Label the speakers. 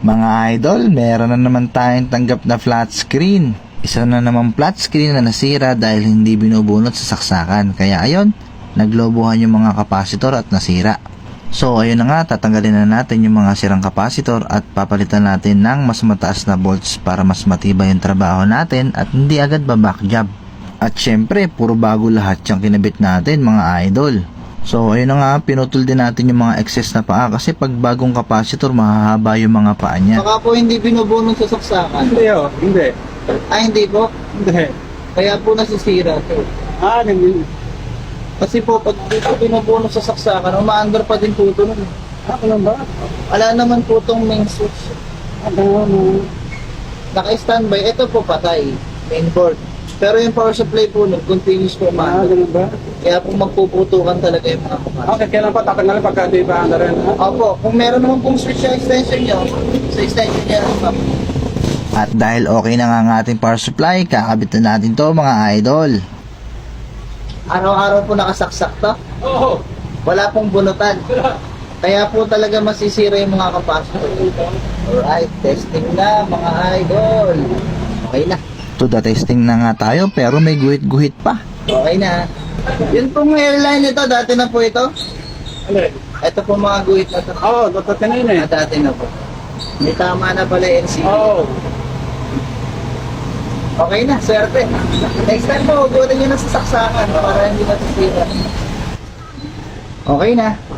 Speaker 1: Mga idol, meron na naman tayong tanggap na flat screen. Isa na naman flat screen na nasira dahil hindi binubunot sa saksakan. Kaya ayun, naglobohan yung mga kapasitor at nasira. So ayun na nga, tatanggalin na natin yung mga sirang kapasitor at papalitan natin ng mas mataas na volts para mas matibay yung trabaho natin at hindi agad back job. At syempre, puro bago lahat yung kinabit natin mga idol. So ayun na nga, pinutol din natin yung mga excess na paa kasi pag bagong kapasitor, mahahaba yung mga paa niya.
Speaker 2: Baka po hindi binubunot sa saksakan.
Speaker 3: Hindi oh, hindi.
Speaker 2: Hindi po.
Speaker 3: Hindi.
Speaker 2: Kaya po nasisira to.
Speaker 3: Hindi.
Speaker 2: Kasi po, pag dito binubunot sa saksakan, umaandar pa din po ito nun.
Speaker 3: Ano ba?
Speaker 2: Wala naman po itong main switch. Naka-standby. Ito po patay. Main board. Pero yung power supply po nun, continuous po umaandar.
Speaker 3: Ganun ba?
Speaker 2: Kaya po magpuputukan talaga yung mga kapasitor.
Speaker 3: Okay, kailan pa tatanggalin pagka di ba anda rin?
Speaker 2: Opo, kung meron naman pong switch sa extension nyo, sa extension nyo lang pa.
Speaker 1: At dahil okay na nga ang ating power supply, kakabit na natin to mga idol.
Speaker 2: Araw-araw po nakasaksak to.
Speaker 3: Oo.
Speaker 2: Wala pong bunutan. Kaya po talaga masisira yung mga kapasitor. Alright, testing na mga idol. Okay na.
Speaker 1: To the testing na nga tayo pero may guhit-guhit pa.
Speaker 2: Okay na. Yun pong airline nito, dati na po ito.
Speaker 3: Ano?
Speaker 2: Ito po mga guhit na to.
Speaker 3: Oo, totoo eh.
Speaker 2: Dati na po. May tama na pala yung NCD.
Speaker 3: Oo.
Speaker 2: Okay na, swerte. Next time po, hugutin nyo na sa saksakan para hindi nasisira. Okay na.